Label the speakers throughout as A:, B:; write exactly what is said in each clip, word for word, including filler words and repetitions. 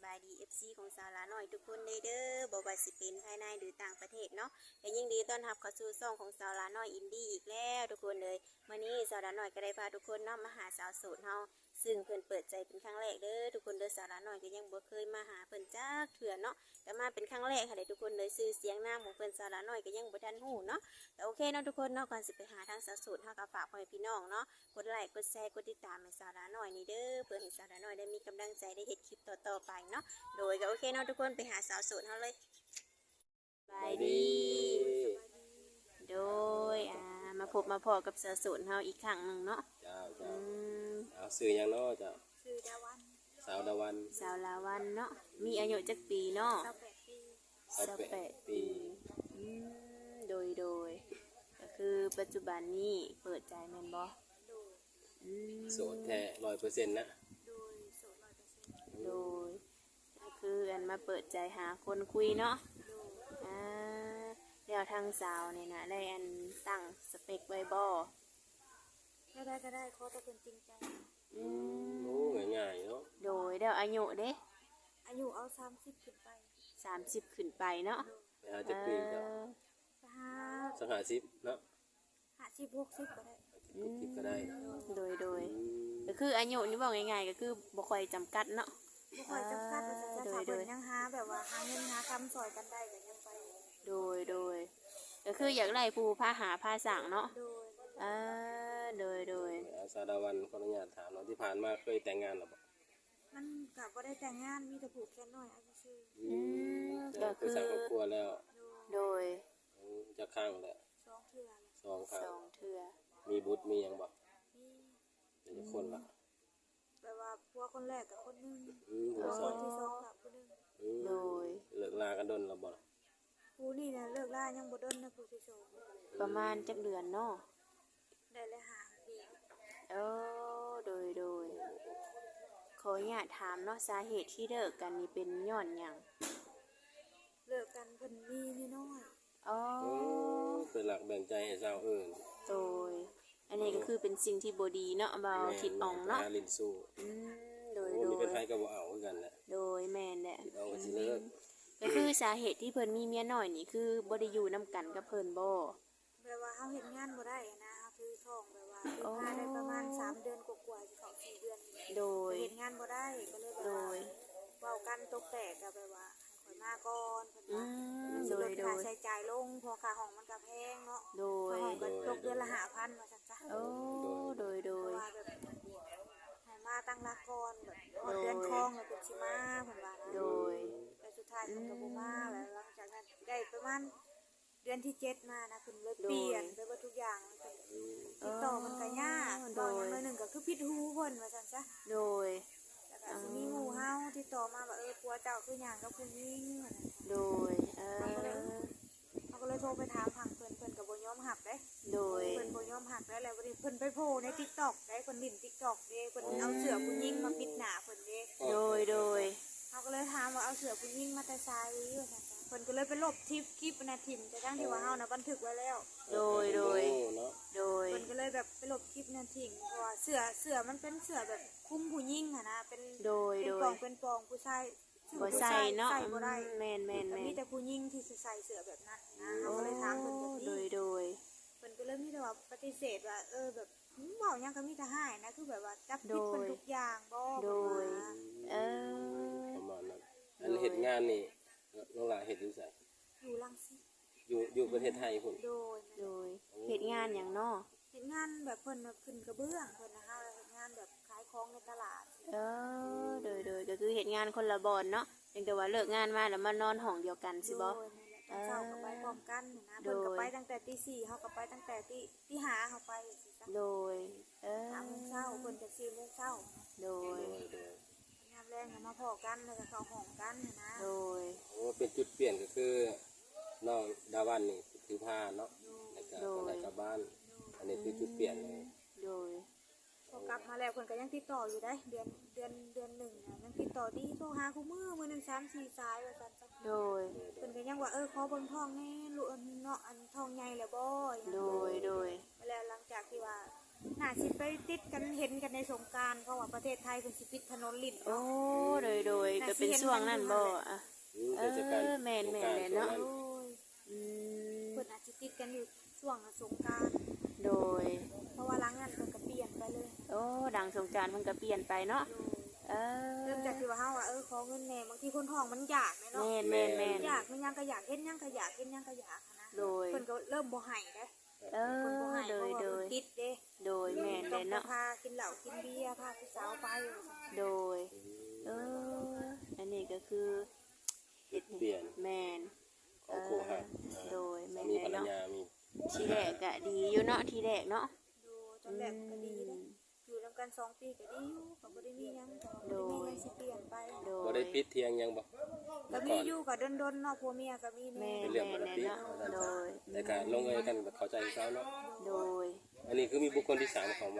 A: บายดี เอฟ ซี ของสาวลาหน่อยทุกคนเลยเด้อบ่ว่าสิเป็นภายในหรือต่างประเทศเนาะและยิ่งดีต้อนรับเข้าสู่ช่องของสาวลาหน่อยอินดี้อีกแล้วทุกคนเลยวันนี้สาวลาหน่อยก็ได้พาทุกคนเนาะมาหาสาวโสดเฮาซึ่งเพิ่นเปิดใจเป็นครั้งแรกเด้อทุกคนเด้อสาวลาหน่อยก็ยังบ่เคยมาหาเพิ่นจักเทื่อเนาะแต่มาเป็นครั้งแรกค่ะเด้อทุกคนเลยชื่อเสียงนามของเพิ่นสาวลาหน่อยก็ยังบ่ทันฮู้เนาะแต่โอเคเนาะทุกคนเนาะก่อนสิไปหาทางสาวโสดเฮาก็ฝากพ่อแม่พี่น้องเนาะกดไลค์กดแชร์กดติดตามให้สาวลาหน่อยนี่เด้อเพื่อให้สาวลาหน่อยได้มีกำลังใจได้เฮ็ดคลิปต่อๆไปเนาะโดยก็โอเคเนาะทุกคนไปหาสาวโสดเฮาเลยสบายดีโดยอ่ามาพบมาพอกับสาวโสดเฮาอีกครั้งหนึงเนาะ
B: เจ้า
A: อื
B: เจ้าม เอาสื่อหยังเนาะเจ้า
C: ชื่อดาวัน
B: สาวดาวัน
A: สาวลาวันเนาะมีอายุจักปีเนาะ
C: สาวแปดปี
A: สิบแปดปีอืมโดยโดยก็คือปัจจุบันนี้เปิดใจแม่นบ่
C: โดย
A: อืม
B: โสดแท้ร้อยเปอร์เซ็นต์นะ
C: โดยโสดร้อยเปอร์เซ็นต์
A: โดยก็คืออันมาเปิดใจหาคนคุยเนาะ
C: โดย
A: อ่าแล้วทางสาวเนี่ยนะได้อันตั้งสเปคไว้บ่
C: ก็ได้ก็ได้ขอแต่เป็นจริงใจ
A: อืม
B: โอ้ง่ายๆเนาะ
A: โดยแล้วอายุเด้
C: อายุเอาสามสิบขึ้นไป
A: สามสิบขึ้นไปเนาะ
B: ไปหาจักปีเจ้า
A: เออ
C: จะหา
B: สักหาสิบเนาะ
C: หาสิบหกสิบก็ได้
B: ทุกทิศก็ได้
A: โดยโดย
B: อืม
A: ก็คืออายุนี่บอกง่ายๆก็คือบ่ค่อยจำกัดเนาะ
C: บ่ค่อยจำกัดว่าจะจะ
A: โดย
C: ถาม
A: โด
C: เพิ่
A: ย
C: นยังหาแบบว่าหาเงินหาคำซอยกันได้ก็ยังไป
A: โดยโดยก็คืออยากไล่ผู้พาหาพาสั่งเนาะ
C: โดย
A: อ่าโดยโดย
B: เอาสาวดาวันขออนุญาตถามเนาะที่ผ่านมาเคยแต่งงานหรือเปล่า
C: มันก็บ่ได้แต่งงานมีแต่ผูกแขนน้อยเอาซื่อ
B: อืมแต่คือสร้างครอบครัวแล้ว
C: ๆโดย
A: โดย
B: อืมจะข้างแหละ
C: สองเทื่อแล้ว
B: สองข้า
A: ส
B: ง
A: องเทื่อ
B: มีบุตรมีหยังบ่
C: มี
B: เป็นคนละ
C: แบบว่าผัวคนแรกกับคนหนึง
B: อืม
C: ผั
B: หั
C: ว
B: ว
C: ค
B: สอน ง
C: ที่สองกับคนหนึง
B: อืม
A: โดย
B: เลิกลากันดนแล้วบ่ล่ะ
C: ผู้นี่น่ะเลิกลายังบ่ดนนะผู้ที่สอง
A: ประมาณจักเดือนเนาะ
C: ได้เลยหาปี
A: เออโดยโดยขออนุญาตถามเนาะสาเหตุที่เลิกกันนี่เป็นย้อนหยัง
C: เลิกกันเพิ่นมีนิดน้อย
A: อ๋อ
B: โอ้เป็นหลักแบ่งใจให้สาวอื่น
A: โดยอันนี้ก็คือเป็นสิ่งที่บ่ดีเนาะเบาคิดอ่องเนาะ
B: หาลิ้นสู้
A: อืมโดย
B: โอ้
A: โด
B: มีเป็น
A: ย
B: ไผก็บ่เอาคือกันแหละ
A: โดยแม่นแหละ
B: คิดเอาก็สิเลิก
A: ก็คือสาเหตุที่เพิ่นมีเมียน้อยนี่คือบ่ได้อยู่นํกันกับเพิ่นบ่
C: แบบว่าเฮาเฮ็ดงานบ่ได้นะเฮาถือท้องแบบว่าถือผ้าได้ประมาณสามเดือนกว่าๆสิเข้าสี่เดือนนี่แหละ
A: โดย
C: เฮ็ดงานบ่ได้ก็เลยแบบ
A: โด
C: ว่าย เว้ากันตกแตกก็แบบว่าให้ข่อยมาก่อนเพิ่น
A: อื
C: ว่าม
A: โด
C: ล
A: ย
C: ด
A: โด
C: ค่าย ใช้จ่ายลงเพอค่าห้องมันก็แพงเนาะ
A: โดย
C: ค่าห้องก็ตกเดือนละห้าพันว่าซั่นจ้ะ
A: โอ้โดยโด
C: เพราะ
A: ย
C: ว่าแบบให้มาตั้งหลักก่อนแบบฮอดเดือนคองแล้วเพิ่นสิมาเพิ่นว่านะ
A: โดย
C: แต่สุดท้ายเพิ่นก็บ่มาแล้วหลังจากนั้นได้ประมาณเดือนที่เจ็ดมานะเพิ่นเลยเปลี่ยนไปว่าทุกอย่างเพิ่นติดต่อมันก็ยากต่ออย่างน้อยหนึงก็คือผิดหูเพิ่นว่าซั่นซะ
A: โดย
C: แล้วก็สิมีหมู่เฮาติดต่อมาว่าเออผัวเจ้าคือหยังกับผู้หญิงว่าซั่นซะ
A: โดยเออ
C: เขาก็เลยโทรไปถามทางเพิ่นเพิ่นก็บ่ยอมรับเด้
A: โดย
C: เพิ่นบ่ยอมรับได้แล้วบัดนี้เพิ่นไปโผล่ใน TikTok ได้เพิ่นลิ้น TikTok เด้เพิ่นเอาเสื้อผู้หญิงมาปิดหน้าเพิ่นเด้
A: โดยโดย
C: เขาก็เลยถามว่าเอาเสื้อผู้หญิงมาแต่ไสว่าซั่นจ้ะเพิ่นก็เลยไปลบคลิปคลิปนะทิ่มแต่ทั้งที่ว่าเฮาน่ะบันทึกไว้แล้ว
A: โดยโดย
B: โอ้เนาะ
A: โดย
C: เพิ่นก็เลยแบบไปลบคลิปนั้นทิ้งเพราะว่าเสื้อเสื้อมันเป็นเสื้อแบบคลุมผู้หญิงอะนะเป็น
A: โดย
C: เป็น
A: โด
C: ปอย งเป็นปองผู้ชาย
A: บ่ใส่เนาะ
C: ใส่บ่ได้
A: แม่นแม่น
C: แต่
A: แม่
C: มี
A: น
C: แต่ผู้หญิงที่สิใส่เสื้อแบบนั้นนะ
A: โอ้
C: เขาก็เลยถามเพิ่นแบบ
A: โด
C: นี้
A: ยโดย
C: เพิ่นก็เลยมีแต่ว่าปฏิเสธว่าเออแบบเว้าหยังก็มีแต่ให้นะคือแบบว่าจับผิดเพิ่นทุกอย่างบ่
A: โดย
C: เพิ่นว่า
A: เออ
B: ประมาณนั้นอันเฮ็ดงานนี่น้องหลาเฮ็ดอยู่ไส
C: อยู่รังสิต
B: อยู่อยู่ประเทศไทยพุ่น
C: โดย
A: โดยเหตุงานอย่างเนาะ
C: เฮ็ดงานแบบเพิ่นแบบขึ้นกระเบื้องเพิ่นนะคะเฮ็ดงานแบบขายของในตลาด
A: เออโดยโดยก็คือเหตุงานคนละบอนเนาะเพียงแต่ว่าเลิกงานมาแล้วมานอนห้องเดียวกันสิบ่
C: โดยนั่นแหละตอนเช้าก็ไปพร้อมกันน่ะนะเพิ่นก็ไปตั้งแต่ตีสี่เฮาก็ไปตั้งแต่ตีตีห้าเฮาไปสิจ้ะ
A: โดยเออ
C: ห้าโมงเช้าเพิ่นจะสี่โมงเช้า
A: โดย
B: โดยโดย
C: งานแรงก็มาพ้อกันแล้วก็เข้าห้องกันน่ะนะ
A: โดย
B: โอ้เป็นจุดเปลี่ยนก็คือน้องดาวันนี่ถือผ้าเนาะแล้วก็คนไหนกลับบ้าน อันนี้คือจุดเปลี่ยนเลย
A: โดย
C: พอกลับมาแล้วเพิ่นก็ยังติดต่ออยู่ได้เดือนเดือนเดือนหนึ่งน่ะยังติดต่อดีโทรหาคู่มือมื้อหนึงสามสี่สายว่าซั่นจ้ะ
A: โดย
C: เพิ่นก็ยังว่าเออขอเบิ่งทองแน่ลูกเนาะอันทองใหญ่แล้วบ่อย่าง
A: โด
C: นั้น
A: ยโดย
C: แล้วหลังจากที่ว่าน่าสิไปติดกันเห็นกันในสงกรานต์เพราะว่าประเทศไทยเพิ่นสิปิดถนนลิ้น
A: โอ้
C: เนาะ
A: โดยโดยก็เป็นช่วงนั้นบ่อะ
B: อืมเทศกาล
A: เออแม่นแม่นเลยเนาะ
C: โดย
A: อืม
C: เพิ่นอาจสิติดกันอยู่ช่วงสงกรานต์
A: โดย
C: เพราะว่าหลังนั้นเพิ่นก็เปลี่ยนไปเลย
A: โอ้ดังสงกรานต์มันก็เปลี่ยนไปเนาะ
C: โดย
A: เออ
C: เริ่มจากที่ว่าเฮาว่าเออขอเงินแหน่บางทีคนท้องมันอยากแม่เนาะ
A: แม่นแม่นแม่น
C: อยากมันยังก็อยากเฮ็ดยังก็อยากเฮ็ดยังก็อยากหั้นนะ
A: โดย
C: เพิ่นก็เริ่มบ่ให้เด้
A: เอ
C: เพิ่นบ่
A: อ
C: ให้
A: โด
C: เพ
A: ย
C: ราะว่า
A: โด
C: เพิ่
A: ย
C: นติดเด้
A: โดยแม่นเล
C: ต้อย ง
A: เนาะ
C: พากินเหล้ากินเบียร์พาผู้สาวไป
A: โดย เออ อันนี้ก็คือ
B: จุดเปลี่ยน
A: แมน
B: ของครูหัก
A: โดยแมน
B: มี
A: เลย
B: ภรร
A: เนาะ
B: ยามี
A: ทีแรกก็ดีอยู่เนาะทีแรกเนาะ
C: ดูตอนแรกก็ดีเด้อยู่นำกันสองปีก็ดีอยู่ก็บ่ได้มีหยังก็บ่ได้มีหยังสิเปลี่ยนไป
A: โด
B: บ่
A: ย
B: ได้ปิดเที่ยงยังบ่
C: ก็มีอยู่ก็ดนๆเนาะผัวเมียก็มี
A: แม่
C: แน่
B: เป็นเรื่องปกติ
A: แม่นๆเนาะโดย
B: แต่การลงเอยกันแบบเข้าใจเขาเนาะ
A: โดย
B: อันนี้คือมีบุคคลที่สามเข้ามา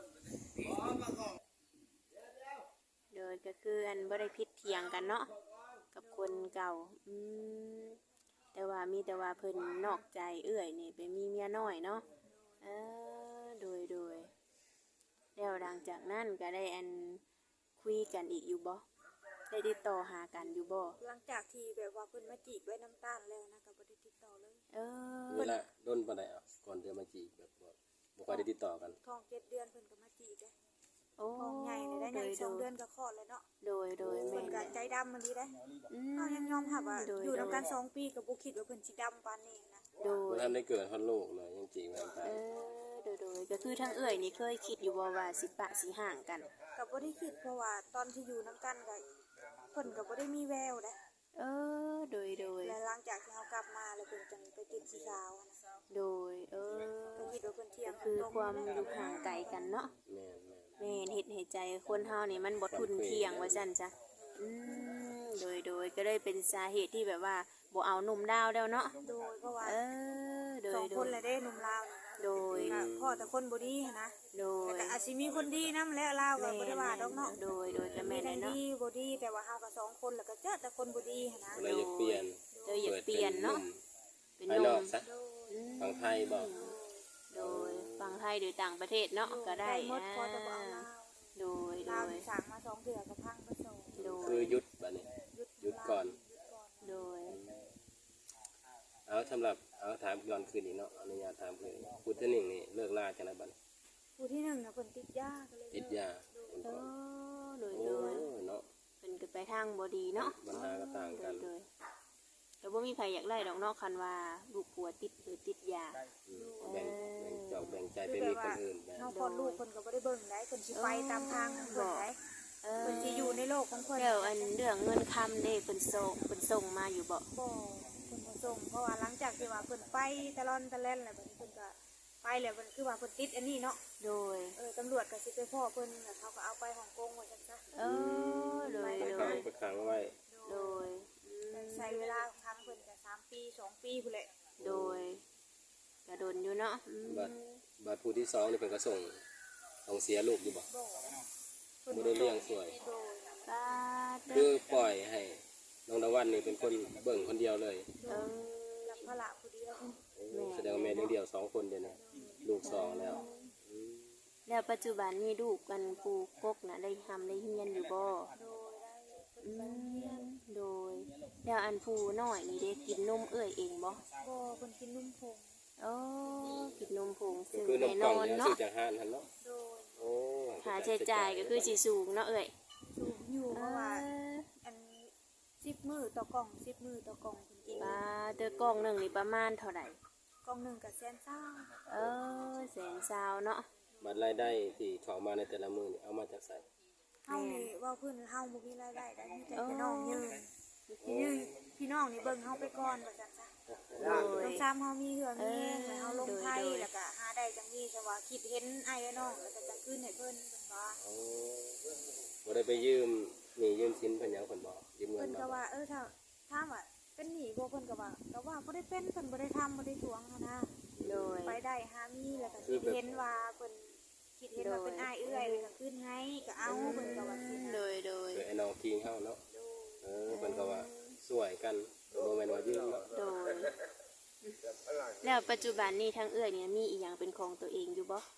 A: โดยก็คืออันบ่ได้พิษเถียงกันเนาะกับคนเก่า อืมแต่ว่ามีแต่ว่าเพิ่นนอกใจเอื้อยนี่ไปมีเมียน้อยเนาะเออโดยโดยแล้วหลังจากนั้นก็ได้อันคุยกันอีกอยู่บ่ได้ติดต่อหากันอยู่บ่
C: หลังจากที่แบบว่าเพิ่นมาจีบไว้น้ำตาลแล้วนะก็บ่ได้ติดต่อเลย
A: เออ
B: เวลาโดนปานใดอ่ะก่อนเดือนมาจีบแบบบ่บ่ค่อยได้ติดต่อกัน
C: ท้องเจ็ดเดือนเพิ่นก็มาจีบเด้
A: โอ้
C: ท้องใหญ่เลยได้
A: โด
C: ใหญ่
A: ย
C: ส
A: โด
C: อง
A: ย
C: เดือนก็คลอดแล้วเนาะ
A: โดยโดย
C: เพิ่
A: แม่
C: น
A: น
C: ก็
A: แหละ
C: ใจดำมันดีได้
A: อืม
C: เฮายังยอมรับว่า
A: โด
C: อยู่
A: โด
C: นำกันสองปีก็บ่คิดว่าเพิ่นสิดำปานนี้นะ
A: โด
B: บ่
A: ย
B: ทันได้เกิดฮอดลูกเลยยังจีบกันไป
A: เออโดยโดยก็คือทั้งเอื้อยนี่เคยคิดอยู่บ่ว่าสิปะสิห่างกัน
C: ก็บ่ได้คิดเพราะว่าตอนที่อยู่นำกันก็เพิ่นก็บ่ได้มีแววเด้
A: เออโดยโดย
C: และหลังจากที่เฮากลับมาแล้วเพิ่นจังไปติดสีขาวอะนะ
A: โดยเออ
C: ก็คิดว่าเพิ่นเที่ยง
A: คือ
C: ตรง
A: ความ
C: นี้
A: อยู่ห่างไกลกันเนาะ
B: แม่นแม่น
A: แม่นเฮ็ดให้ใจคนเฮานี่มันบ่ทุนเที่ยงว่าซั่นจ้ะอืมโดยโดยก็เลยเป็นสาเหตุที่แบบว่าบ่เอาหนุ่มดาวแล้วเนาะ
C: โดยเพราะว่า
A: เออโด
C: สอย ง
A: โด
C: คน
A: ย
C: เลยเด้หนุ่มลาวนี่
A: โดย
C: ก็พ่อแต่คนบ่ดีหั้นนะ
A: โด
C: แต่
A: ย
C: ก็อาจสิมีคนดีนำแล้วลาวก็บ่ได้ว่าดอกเนาะ
A: โดยโดยก็
C: มี
A: แม่น
C: ทั้
A: เลยเนาะ
C: งดีบ่ดีแต่ว่าเฮาก็สองคนแล้วก็เจอแต่คนบ่ดีหั้นนะ
B: เลยอยากเปลี่ยน
A: เลยอยากเปลี่ยนเนาะเป็น
B: ภาย
A: ห
B: น
A: นุ่
B: อก
A: ม
B: ซะ
C: โดย
A: อืม
B: ฝั่งไทยบ่
A: โดยฟังไทยหรือต่างประเทศเนาะก็ได้
C: หมดพอแต่บ่เอา
A: อ่า
C: ลาว
A: โดยโด
C: ลาวย นี่สั่งมาสองเดือนก็พังไปสอง
A: โด
B: คือย หยุดบัดนี้
C: หยุด
B: หยุดก่อน
C: หยุดก่อน
A: โดย
B: เอาสำหรับเอาถามย้อนคืนอีกเนาะอนุญาตถามคืนอีกพุทธนิ่งนี่เลิกล่าจังไดบัดนี้
C: ผู้ที่หนึ่งน่ะเพิ่นติดยาก็เลย
B: ติดยาเป็น
A: เอ
B: ก่อน
A: อโดย
B: โอ้
A: โดย
B: เนาะ
A: เป็นกันไปทางบดีเนาะ
B: ปัญหาก็ต่างกัน
A: โดยๆแต่ว่ามีใครอยากไล่ดอกเนอกคันว่าลูกผัวติดหรือติดยา
B: อืมแบ่งแบ่งจอกแบ่งใจไปมีคนอื่นแบ่ง
C: น้องพอดลูกเพิ่นก็บ่ได้เบิ่งได้เพิ่นสิไปตามทางของเพิ่นได้
A: เออ
C: เพิ่นสิอยู่ในโลกของเพิ่น
A: เดี๋ยวอันเรื่องเงินคำเด้เพิ่นส่งเพิ่นส่งมาอยู่บ่
C: บ่เพิ่นบ่ส่งเพราะว่าหลังจากที่ว่าเพิ่นไปตะลอนตะแล่นแล้วบัดนี้เพิ่นก็ไปแล้วเพิ่นคือว่าเพิ่นติดอันนี้เนาะ
A: โดย
C: เออตำรวจก็สิไปพ่อเพิ่นแล้วเขาก็เอาไปฮ่องกงว่าจังซะ
A: เออโดย
B: ไป
A: โด
B: ขัง
A: ย
B: ไปขังไว้
A: โดยอืม
C: ใช้เวลาครั้งเพิ่นก็สามปีสองปีพุ่นแหละ
A: โดยกระโดนอยู่เนาะอืม
B: บัดบัดผู้ที่สองนี่เพิ่นก็ส่งส่งเสียลูกอยู่บ่
C: บ่เพิ่น
B: บ่ได้เลี้ยงสวย
C: โดย
A: ปาดเด้
B: คือ อปล่อยให้น้องตะวันนี่เป็นคนเบิ่งคนเดียวเลย
A: เออ
C: รับภาระผู้เดียว
B: แสดงว่าแม่เลี้ยงเดียวสองคนเดียวนะลูกสองแล้วอืม
A: แล้วปัจจุบันนี้ลูกกันปูกกนะได้ทำได้เฮียนอยู่บ่
C: โดยได้เพิ่น
A: อื
C: ไปโรงเรียน
A: มโดยแล้วอันผู้น้อยนี่ได้กินนมเอื้อยเองบ่
C: บ่เพิ่นกินนุ่มผง
A: โอ้กินนมผง
B: ก็
A: ซื้อ
B: คือน
A: แน่
B: ม
A: น
B: กล่อ
A: อง น
B: เนี่ย
A: เนาะ
B: ซื้อจากห้างหั่นเนาะ
C: โดย
B: โอ้
A: ค่าใช้จ่ายก็คือสิสูงเนาะเอ้ย
C: สูงอยู่เพ
A: เอ
C: ราะว่า
A: อ
C: อันสิบมือต่อกล่องสิบมือต่อกล่องคุณกิน
A: ปลาเตอกล่องหนึ่งนี่ประมาณเท่าไหร่
C: กล่องหนึ่งกับแสนเศร้า
A: เออแสนซาวเนาะ
B: บัตรรายได้ที่เข้ามาในแต่ละมื้อนี่เอามาจากไส
C: เฮานี่ว่าเพื้นเฮาบ่มีรายได้ได้มีแต่พี่น้องยืนพี่ยืนพี่น้องนี่เบิ่งเฮาไปก่อนว่าจังซะ
A: โดย
C: ต้องซ้ำเฮามีเหือมีแห้งแล้วเฮาลงไทยแล้วก็หาได้จังนี้แต่ว่าคิดเห็นอ้ายและน้องแล้วก็จะคืนให้เพิ่นเพิ่นว่า
B: โอ้บ่ได้ไปยืมหนี่ยืมสินเพิ่นหยังเพิ่นบ่ยืมเงิ
C: เพิ่
B: น
C: น
B: บ่
C: ก็ว่าเออถ้าถามว่าเป็นหนี้บ่เพิ่นก็ว่าก็ว่าบ่ได้เป็นเพิ่นบ่ได้ทำบ่ได้ทวงหั้นนะ
A: โดย
C: ไปได้หามีแล้วก็คิดเห็นว่าเพิ่นคิดเห็นว่าเป็นอ้ายเอื้อยเลยก็ขึ้นให้ก็เอาเพิ่นก็ว่าสินะ
A: โดยโดย
B: คือไอ้น้องคิงเฮาเนาะเออเพิ่นก็ว่าสวยกันบ่แม่นว่ายืมเนาะ
A: โดยแล้วปัจจุบันนี้ทางเอื้อยเนี่ยมีอีหยังเป็นของตัวเองอยู่บ่
C: ม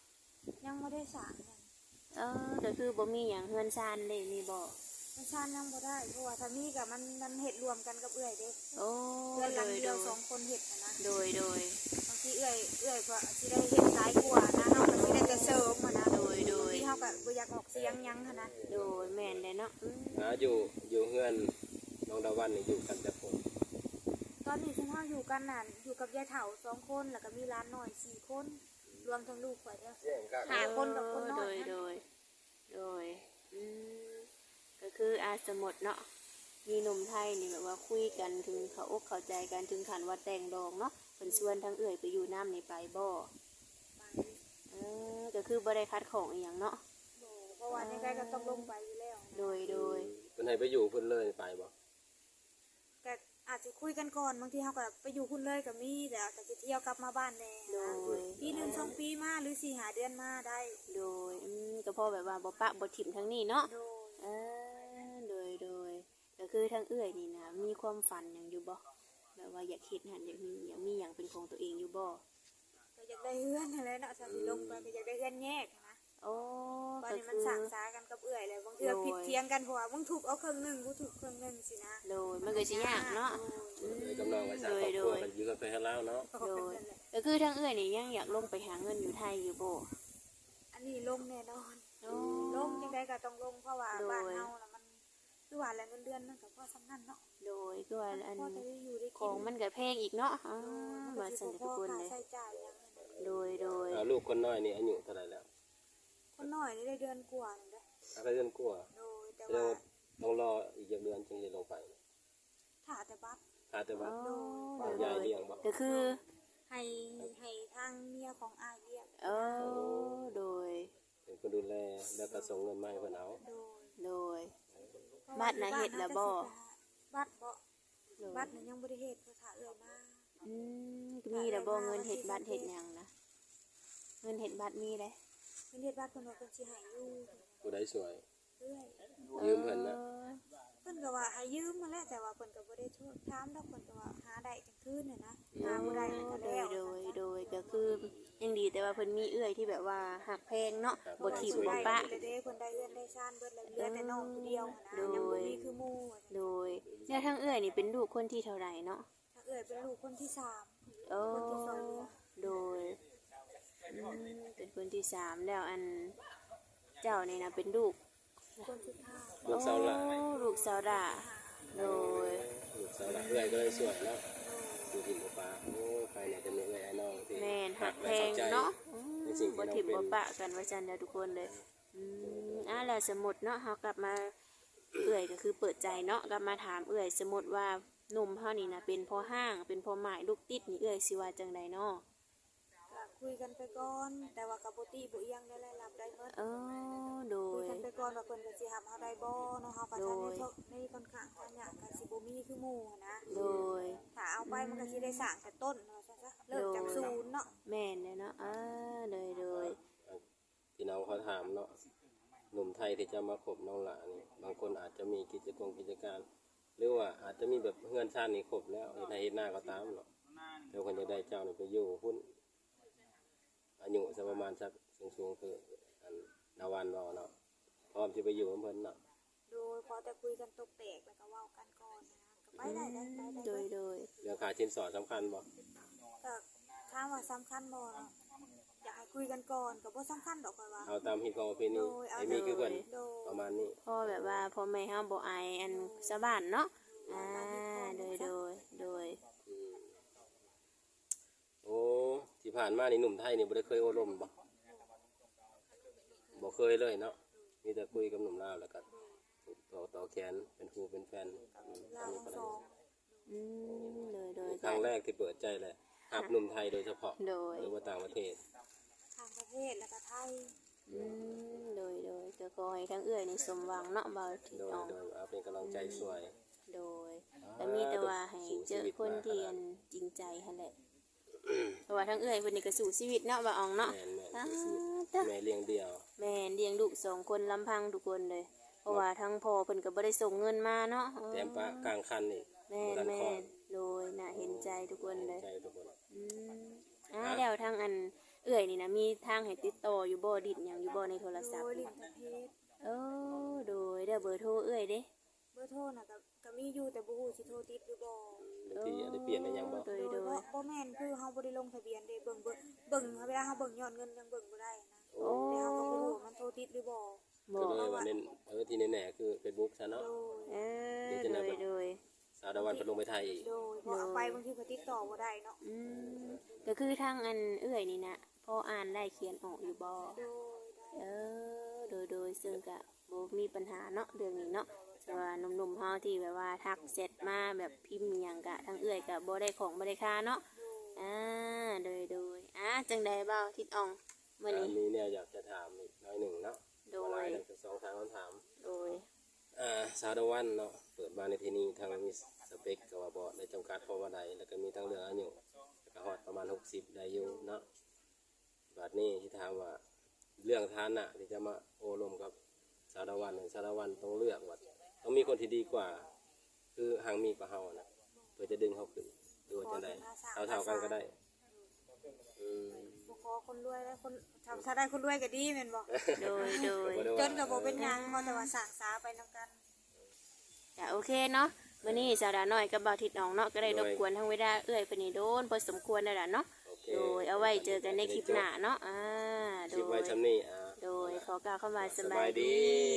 C: ยังบ่ได้สร้างหยัง
A: เออก็คือบ่มีหยังเฮือนซานเลยมีบ่
C: มันชานยังบ่ได้เพราะว่าถ้ามีก็มันมันเฮ็ดรวมกันกับเอื้อยเด้
A: โอ้
C: เพื่อนห
A: โด
C: ลัง
A: ย
C: เดี
A: โด
C: ยวย สองคนเฮ็ดนะนะ
A: โดยโดย
C: บางทีเอื้อยเอื้อยก็สิได้เฮ็ดหลายกว่านะเฮาก็สิได้แต่เสริมอะนะ
A: โดยโดย
C: บางทีเฮาก็บ่อยากออกเสียงหยังหันนะ
A: โดยแม่นเลยเนาะอืม
B: หาอยู่อยู่เฮือนน้องดาวันนี่อยู่กันแต่คน
C: ตอนนี้ฉันเฮาอยู่กันน่ะอยู่กับยายเฒ่าสองคนแล้วก็มีหลานน้อยสี่คนรวมทั้งลูกข่อยเด้อห้าคนกับคนน้
A: โด
C: อย
A: ย
C: นะ
A: โดยโดยอืมก็คืออาสมมติเนาะมีหนุ่มไทยนี่แบบว่าคุยกันถึงเขาอกเข้าใจกันถึงขันว่าแต่งดองเนาะเพิ่นชวนทั้งเอื่อยไปอยู่น้ำนี่ไปบ่
C: ไป
A: เออก็คือบ่ได้คัดของอีหยังเนาะ
C: บ่เพราะว่ายังไงก็ต้องลงไปอยู่แล้ว
A: โดยโดย
B: เพิ่นให้ไปอยู่เพิ่นเลยไปบ่
C: ก็อาจจะคุยกันก่อนบางทีเฮาก็ไปอยู่พุ่นเลยก็มีแต่ก็สิเที่ยวกลับมาบ้านแน่
A: โด
C: นะ
A: ย
C: ปีหนึงสองปีมาหรือสี่ห้าเดือนมาได้
A: โดยอืมก็พอแบบว่าบ่ปะบ่ถิ่มทั้งนี้เนาะ
C: โดย
A: เออโดยโดยก็คือทั้งเอื่อยนี่นะมีความฝันหยังอยู่บ่แบบว่าอยากเฮ็ดหันอยากมีอยากมีหยังเป็นของตัวเองอยู่บ่
C: ก็อยากได้เฮือนนั่นแหละเนาะถ้าสิลงไปก็อยากได้เฮือนแยกนะ
A: โอ้
C: ตอน
A: ก็
C: นี้มั
A: คื
C: น
A: อ
C: สั่งสากันกับเอื่อยเลยบางเทื่อ
A: โดย
C: ผิดเทียงกันเพราะว่ามึงถูกเอาเครื่องหนึงกูถูกเครื่องหนึงสินะ
A: โดยมันก็สิยากเนาะ
B: เลยกำลังไว้สร้างครอบครัวกันอยู่กันไปให้แล้วเนาะ
C: โดย
A: ก็คือทั้งเอื้อยนี่ยังอยากลงไปหาเงินอยู่ไทยอยู่บ่
C: อันนี้ลงแน่นอน
A: โอ้
C: ลงจังไดก็ต้องลงเพราะว่า
A: โดย
C: บ้านเฮาน่ะมันคือว่าแหละเงินเดือนมันก็พอสำนันเนาะ
A: โดยก็ว่าอัน
C: พอจะได้อยู่ได้
A: ข
C: กิ
A: อง
C: น
A: มันก็แพงอีกเนาะอ๋อ
C: มัน
A: มา
C: ก็
A: สั่น
C: สิ
A: ทุ
C: บ่
A: ก
C: พ
A: ค
C: อน ค่า
A: เลย
C: ใช้จ่ายหยังนั่นน่ะ
A: โดยโดย
B: อ่าลูกคนน้อยนี่อายุเท่าไหร่แล้ว
C: คนน้อยนี่ได้เดือนกว่านี่เด้อ
B: อาก็เดือนกว่า
C: โดยแต่
B: แสดง
C: ว่า
B: ว่าต้องรออีกเดือนจึงจะลงไป
C: ถ้าแต่บัตร
B: หาแต่ว่า
A: โอ้
B: เอา
A: โด
B: ยาย
A: ย
B: เลี้ยงบ่
A: ก็คือ
C: ให้ให้ทางเมียของอายเลี้ยง
A: เออโดย
B: เป็นคนดูแลแล้วก็ส่งเงินมาให้เพิ่นเอา
C: โดย
A: โดย บัตรน่ะเฮ็ดแล้วบ่
C: บัตรบ่
A: โดย
C: บัตรน่ะยังบ่ได้เฮ็ดเพราะถ้าเอื้อยมา
A: อืมมีแต่บ่เงินเฮ็ดบัตรเฮ็ดหยังนะเงินเฮ็ดบัตรมีเด้
C: เพิ่นเฮ็ดบัตรเพิ่นว่าเพิ่นสิให้อยู่
B: ผู้ใดสวย
C: เอื้อย
B: ยืมเพิ่นนะ
A: ออ
C: เพิ่นก็ว่าให้ยืมมาแหล้วแต่ว่าเพิ่นก็บ่ได้โทษถามดอกเพิ่นก็ว่าหาได้จังคืนน่ะนะหาบ่ได้มันก็
A: โด
C: แล้
A: ยว โดยโดยก็คือยังดีแต่ว่าเพิ่นมีเอื้อยที่แบบว่าหักแพงเนาะบ่ทิ่มบ่ปะ
C: เพิ่นได้เพิ่นได้เอื้อนได้ซ่านเบิดแล้วเหลือแต่น้องผู้เดียวนะ
A: โดย
C: ยังบ่มีคือหมู่อะ
A: โดยเนี่ยทั้งเอื้อยนี่เป็นลูกคนที่เท่าไหร่เนาะ
C: ถ้าเอื้อยเป็นลูกคนที่สาม
A: โอ้
C: คนที่สอง
A: โดยอืมเป็นคนที่สามแล้วอันเจ้านี่นะเป็นลูก
C: คนสุดท้าย
B: ลูกสาวหลาน
A: โอ้ลูกสาวดาโดย
B: ลูกสาวหลานเอื้อยก็เลยสวยเนาะอยู่กินบ่ปลาโอ้ใครเนี่ยจะมีเอื้อยไอ้น้องที่
A: แม่นหักแพ
B: และเข้าง ใจ
A: เนาะอืม
B: ในสิ่งที่
A: บ่
B: น้อง
A: ทิ่ม
B: เป็น
A: บ่ปะกันว่าจันเด้อทุกคนเลยอืมอ่ะแล้วสมมุติเนาะเฮากลับมาเอื้อยก็คือเปิดใจเนาะกลับมาถามเอื้อยสมมุติว่าหนุ่มเฮานี่นะเป็นพ่อห้างเป็นพ่อหมายลูกติดนี่เอื้อยสิว่าจังใดเนาะ
C: ก็คุยกันไปก่อนแต่ว่าก็บ่ติบ่เอียงได้เลยรับได้หมด
A: เออโด
C: คุย
A: ย
C: กันไปก่อนว่าเพิ่นก็สิรับเฮาได้บ่เนาะเฮาก็
A: โด
C: ทัน
A: ย
C: ในในค่อนข้างทางยากก็สิบ่มีคือหมู่หั้นนะ
A: โดย
C: ถ้าเอาไปมันก็สิได้สร้างแต่ต้นเนาะซะซะเริ่มจากศูนย์เนาะ
A: แม่นเลยเนาะอ่าโดยโดย
B: ที่น้องเขาถามเนาะหนุ่มไทยที่จะมาคบน้องหลานนี่บางคนอาจจะมีกิจกรรมกิจการ หรือว่าอาจจะมีแบบเฮือนชาตินี่ครบแล้วเฮ็ดให้เฮ็ดหน้าก็ตามเนาะเดี๋ยวคนจะได้เจ้านี่ไปอยู่หุ้นอายุสักประมาณสักสูงๆคืออันนาวันรอเนาะพร้อมจะไปอยู่กับเพิ่นเนาะ
C: โดยพอแต่คุยกันตกแตกแล้วก็เว้ากันก่อนนะก็ไปได้ได้ไปได้
A: โดย
C: เบิด
A: โดย
B: เรื่องค่าชิ้นสอดสำคัญบ่
C: ก็ถามว่าสำคัญบ่เนาะอยากให้คุยกันก่อนก็บ่สำคัญดอกค่อยว่า
B: เอาตามฮิตของประเพณี
C: โดยเอา
B: ไอ้มีคือเพิ่น
C: โดย
B: ประมาณนี้
A: พ่อแบบว่าพ่อแม่เฮาบ่อายอันสะบ้านเนาะอ่าโดยโดยโดย
B: อืมโอ้ที่ผ่านมานี่หนุ่มไทยนี่บ่ได้เคยโอ้ลมบ่บ่เคยเลยเนาะมีแต่คุยกับหนุ่มลาวแล้วก็ต่อต่อแขนเป็นครูเป็นแฟนอืม
C: เรา
B: อันนี้
C: ทั้ง
B: ก็
C: ส
B: ได้
C: อง
A: อืมโดยโดย
B: ครั้งแรกที่เปิดใจเลยหับหนุ่มไทยโดยเฉพาะ
A: โดย
B: หรือว่าต่างประเทศ
C: ทางประเทศแล้วก็ไทย
A: อืมโดยโดยก็ขอให้ทั้งเอื้อยนี่สมหวังเนาะบ่าวที่
B: โดย
A: น้อง
B: โดยเอาเป็นกำลังใจช่วย
A: โดยแต่มีแต่ว่าให้เจอคนที่อันจริงใจหั่นแหละเพราะว่าทั้งเอื้อยเพิ่นนี่ก็สู้ชีวิตเนาะบ่าอองเนาะ
B: แม่นแม่น
A: อ่า
B: คือ
A: เด้อ
B: แม่เลี้ยงเดี่ยว
A: แม่เลี้ยงลูกสองคนลำพังทุกคนเลย เพราะว่าทั้งพ่อเพิ่นก็บ่ได้ส่งเงินมาเนาะเออ
B: แถมปะกลางคันนี่
A: แม่
B: บ่ทัน
A: แม่
B: คลอด
A: โดยน่าเห็นใจทุกคนเลย
B: ใจทุกคน
A: อืมอ่าแล้วทางอันเอื้อยนี่นะมีทางให้ติดต่ออยู่บ่ดิดหยังอยู่บ่ในโทรศัพ
C: โด
A: ท์
C: ยลิ้นทางเพชร
A: เออโดยเด้อเบอร์โทรเอื้อยเด้
C: เบอร์โทรน่ะก็ก็มีอยู่แต่บ่ฮู้สิโทรติดหรือบ่
B: บางทีอาจจะเปลี่ยนในหยังบ่
A: โดย
C: โด
A: โด
C: ย
A: ย
C: บ่บ่แม่นคือเฮาบ่ได้ลงทะเบียนเด้เบิ่งเบิ่งเบิ่งเวลาเฮาเบิ่งยอดเงินยังเบิ่งบ่ได้นะ
B: โอ้
C: แต่เฮาก็บ่รู้ว่ามันโทรติดหรือบ่
A: บ่
B: ก็เลยว่าเน้นเออที่แน่ๆคือ Facebook ซะเนาะ
C: โดย
A: เออโดยโดย
B: สาวดาวันไปลงไปไทยอีก
C: โดยพอเอาไปบางทีก็ติดต่อบ่ได้เนาะ
A: อืมก็คือทางอันเอื้อยนี่นะพออ่านได้เขียนออกอยู่บ่
C: โดยได้
A: เออโดยโดยซึ่งก็บ่มีปัญหาเนาะเรื่องนี้เนาะแต่ว่าหนุ่มๆเฮาที่แบบว่าทักเสร็จมาแบบพิมพ์อิหยังกะทางเอื้อยก็บ่ได้ของบ่ได้ค่าเนาะอ่าโดยโดยอ่ะจังใดเบ้าทิดอ่องมื้อ
B: อ่า
A: นี้
B: มีเนี่ยอยากจะถามอีกน้อยหนึ่งเนาะ
A: โด
B: หลาย
A: ย
B: ทั้งสองทางคำถาม
A: โดย
B: อ่าสาวดาวันเนาะเปิดมาในที่นี้ทางมีสเปคก็ว่าบ่ได้จำกัดเพราะว่าใดแล้วก็มีทั้งเรื่องอายุแล้วก็ฮอดประมาณหกสิบได้อยู่เนาะบัดนี้ที่ถามว่าเรื่องฐานะที่จะมาโอ้ลมกับสาวดาวันเนี่ยสาวดาวันต้องเลือกว่าต้องมีคนที่ดีกว่า คือหางมีกว่าเฮานะเพื่อจะดึงเขาขึ้นดูว่าจังไดเท่าๆกันก็ได้อืม
C: บ่ขอคนรวยแล้วคนถ้าถ้าได้คนรวยก็ดีแม่นบ่
A: โดยโดย
C: จนก็บ่เป็นหยังเพราะแต่ว่าสร้างสาไปนำกัน
A: จ้ะโอเคเนาะมื้อนี้สาวดาน้อยกับบ่าวทิดอ่องเนาะก็ได้รบกวนทางเวลาเอื้อยเพิ่นนี่โดนพอสมควรแล้วล่ะเนาะ
B: โอเค
A: โดยเอาไว้เจอกันในคลิปหน้าเนาะอ่าโด
B: คลิปไว้
A: ย
B: ชำนี้อ่า
A: โดยขอกล่าวคำว่าส
B: ส
A: บา
B: บาย ย
A: ดี
B: ดี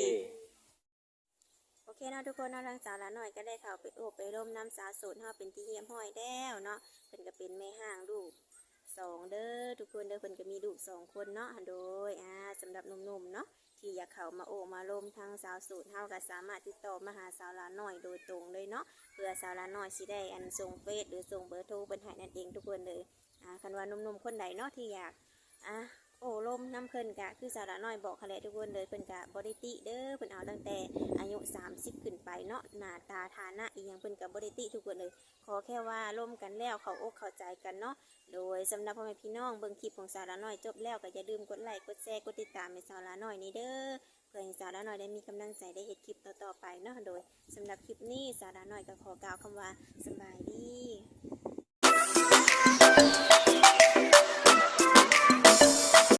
A: โอเคเนาะทุกคนเนาะทางสาวละหน่อยก็ได้เข้าไปโอบไปร่มน้ำสาวโสดเฮาเป็นที่เยี่ยมห้อยแล้วเนาะเพิ่นก็เป็นแม่ห้างลูกสองเด้อทุกคนเด้อเพิ่นก็มีลูกสองคนเนาะโดยอ่าสำหรับหนุ่มๆเนาะที่อยากเข้ามาโอบมาร่มทางสาวโสดเฮาก็สามารถติดต่อมาหาสาวละหน่อยโดยตรงเลยเนาะเพื่อสาวละหน่อยสิได้อันส่งเฟซหรือส่งเบอร์โทรเพิ่นให้นั่นเองทุกคนเลยอ่าคันว่าหนุ่มๆคนใดเนาะที่อยากอ่ะ โอ้ลมน้ำเพิ่นกะคือสาระน้อยบอกเขาแหละทุกคนเลยเพิ่นกะบริติเด้อเพิ่นเอาตั้งแต่อายุสามสิบขึ้นไปเนาะหน้าตาฐานะอีหยังเพิ่นกะบริติทุกคนเลยขอแค่ว่าร่วมกันแล้วเขาอกเข้าใจกันเนาะโดยสำหรับพ่อแม่พี่น้องเบิ่งคลิปของสาระน้อยจบแล้วก็อย่าลืมกดไลค์กดแชร์กดติดตามให้สาระน้อยนี่เด้อเพื่อให้สาระน้อยได้มีกำลังใจได้เฮ็ดคลิปต่อๆไปเนาะโดยสำหรับคลิปนี้สาระน้อยก็ขอกล่าวคำว่าสบายดี